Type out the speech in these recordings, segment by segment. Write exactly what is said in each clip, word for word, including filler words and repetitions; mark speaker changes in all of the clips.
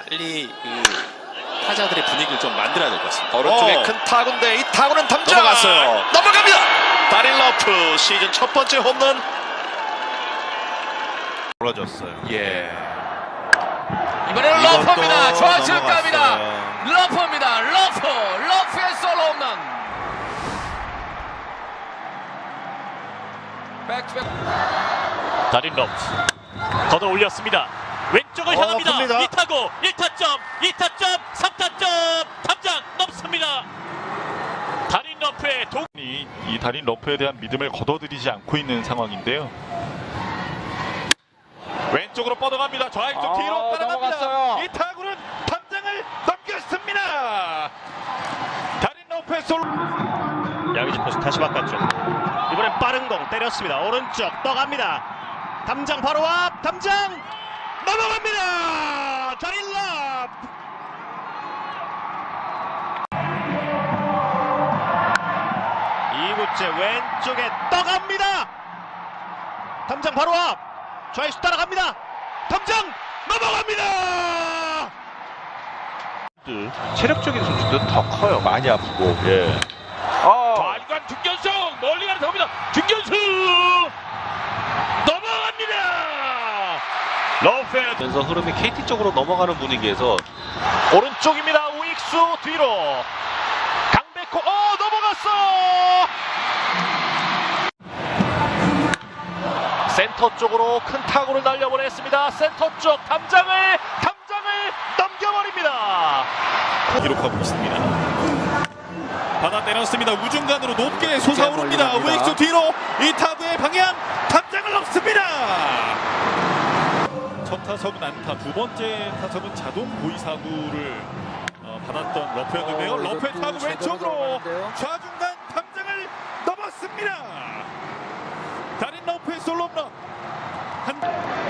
Speaker 1: 빨리 그 타자들의 분위기를 좀 만들어야 될 것 같습니다.
Speaker 2: 오른쪽에
Speaker 1: 어.
Speaker 2: 큰 타구인데 이 타구는 담장
Speaker 1: 넘어갔어요.
Speaker 2: 넘어갑니다. 다린 러프 시즌 첫 번째 홈런.
Speaker 3: 벌어졌어요.
Speaker 2: 예.
Speaker 4: 이번에는 러프입니다. 좌측
Speaker 3: 넘어갔어요.
Speaker 4: 갑니다. 러프입니다. 러프. 러프의 솔로 홈런. 백투백.
Speaker 5: 다린 러프 걷어 올렸습니다. 왼쪽을
Speaker 3: 어,
Speaker 5: 향합니다.
Speaker 3: 큽니다.
Speaker 5: 이 타구 일 타점 이 타점 삼 타점 담장 넘습니다. 다린 러프의 동
Speaker 6: 이, 이 다린 러프에 대한 믿음을 거둬들이지 않고 있는 상황인데요. 왼쪽으로 뻗어갑니다. 좌익쪽
Speaker 4: 아,
Speaker 6: 뒤로 따라갑니다.
Speaker 4: 넘어갔어요.
Speaker 6: 이 타구는 담장을 넘겼습니다. 다린 러프의 솔.
Speaker 5: 양의지 포수 다시 바깥쪽. 이번엔 빠른 공 때렸습니다. 오른쪽 떠갑니다. 담장 바로 앞 담장 넘어갑니다. 다린 러프. 이 구째 왼쪽에 떠갑니다. 담장 바로 앞 좌익수 따라갑니다. 담장 넘어갑니다.
Speaker 3: 체력적인 선수도 더 커요. 많이 아프고. 예. 어.
Speaker 5: 좌중간 중견수 멀리 가는 겁니다. 중견수 넘어갑니다. 러프의
Speaker 1: 그래서 흐름이 케이티 쪽으로 넘어가는 분위기에서
Speaker 5: 오른쪽입니다. 우익수 뒤로 강백호 어 넘어갔어. 센터 쪽으로 큰 타구를 날려보냈습니다. 센터 쪽 담장을 담장을 넘겨버립니다.
Speaker 6: 기록하고 있습니다. 받아 때렸습니다. 우중간으로 높게 솟아오릅니다. 우익수 뒤로 이 타구의 방향 담장을 넘습니다. 첫 타석은 안타, 두 번째 타석은 자동 고의 사구를 어, 받았던 러프였는데요.
Speaker 4: 어,
Speaker 6: 러프의
Speaker 4: 이것도
Speaker 6: 타구
Speaker 4: 제대로
Speaker 6: 왼쪽으로
Speaker 4: 들어갔는데요.
Speaker 6: 좌중간 담장을 넘었습니다. 다린 러프의 솔로 홈런. 한...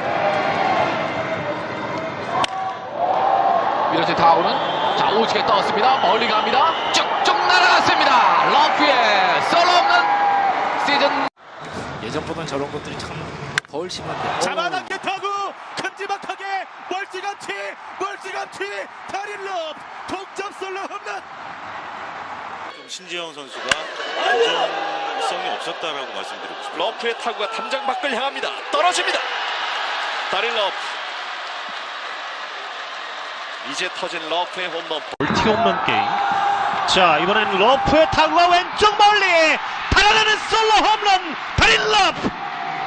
Speaker 4: 밀어진 타구는 자 오지게 떴습니다. 멀리 갑니다. 쭉쭉 날아갔습니다. 러프의 솔로 홈런 시즌.
Speaker 1: 예전보다는 저런 것들이 참 덜 심한데.
Speaker 6: 잡아당겨 타구 큼지막하게 멀찌감치 멀찌감치 다린 러프 동점 솔로 홈런.
Speaker 2: 신지영 선수가 안정성이 없었다라고 말씀드리고 싶습니다. 러프의 타구가 담장 밖을 향합니다. 떨어집니다. 다린 러프. 이제 터진 러프의 홈런.
Speaker 5: 멀티 홈런 게임. 자 이번엔 러프의 타구가 왼쪽 멀리 달아나는 솔로 홈런 다린 러프.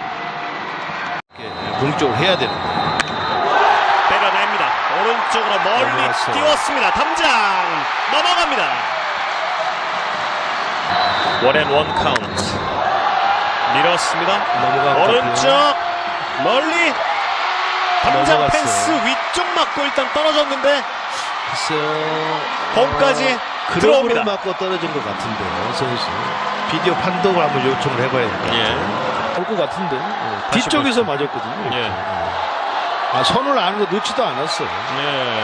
Speaker 3: 공격을 해야 되는 거예요.
Speaker 5: 때려냅니다. 오른쪽으로 멀리
Speaker 3: 넘어갔어요.
Speaker 5: 띄웠습니다. 담장 넘어갑니다. 원앤원 카운트 밀었습니다.
Speaker 3: 넘어갔거든요.
Speaker 5: 오른쪽 멀리 담장
Speaker 3: 넘어갔어요.
Speaker 5: 펜스 위쪽 맞고 일단 떨어졌는데
Speaker 3: 글쎄요.
Speaker 5: 홈까지
Speaker 3: 그룹으로
Speaker 5: 들어옵니다.
Speaker 3: 맞고 떨어진 것 같은데요, 선수. 비디오 판독을 한번 요청을 해봐야 될 것 같아요.
Speaker 5: 예.
Speaker 3: 올 것 같은데. 예, 뒤쪽에서 맞았거든요.
Speaker 5: 예.
Speaker 3: 아, 손을 아는 거 넣지도 않았어요.
Speaker 5: 네.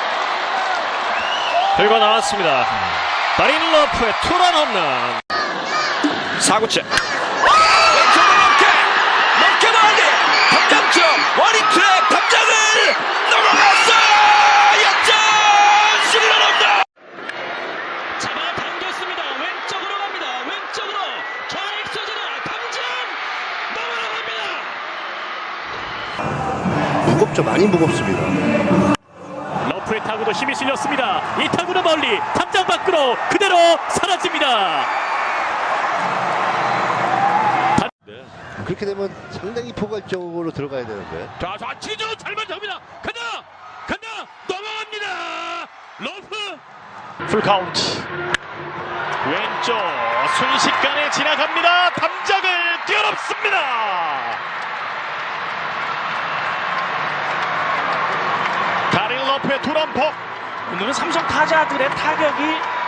Speaker 5: 결과 나왔습니다. 다린 러프의 투런 홈런.
Speaker 2: 사구째. 왼쪽으로 넘게 넘게 멀리 담장 쪽 원인 트랙 담장을 넘어갔어요. 역전 스리런 홈런.
Speaker 5: 잡아당겼습니다. 왼쪽으로 갑니다. 왼쪽으로 좌익수 지나 담장 넘어갑니다.
Speaker 3: 무겁죠, 많이 무겁습니다.
Speaker 5: 러프의 타구도 힘이 실렸습니다. 이 타구는 멀리 담장 밖으로 그대로 사라집니다.
Speaker 3: 그렇게 되면 상당히 포괄적으로 들어가야 되는데.
Speaker 5: 자, 좌치주 잘 맞습니다. 간다, 간다, 넘어갑니다. 러프. 풀 카운트. 왼쪽 순식간에 지나갑니다. 담장을 뛰어넘습니다. 다린 러프의 투런포. 오늘은 삼성 타자들의 타격이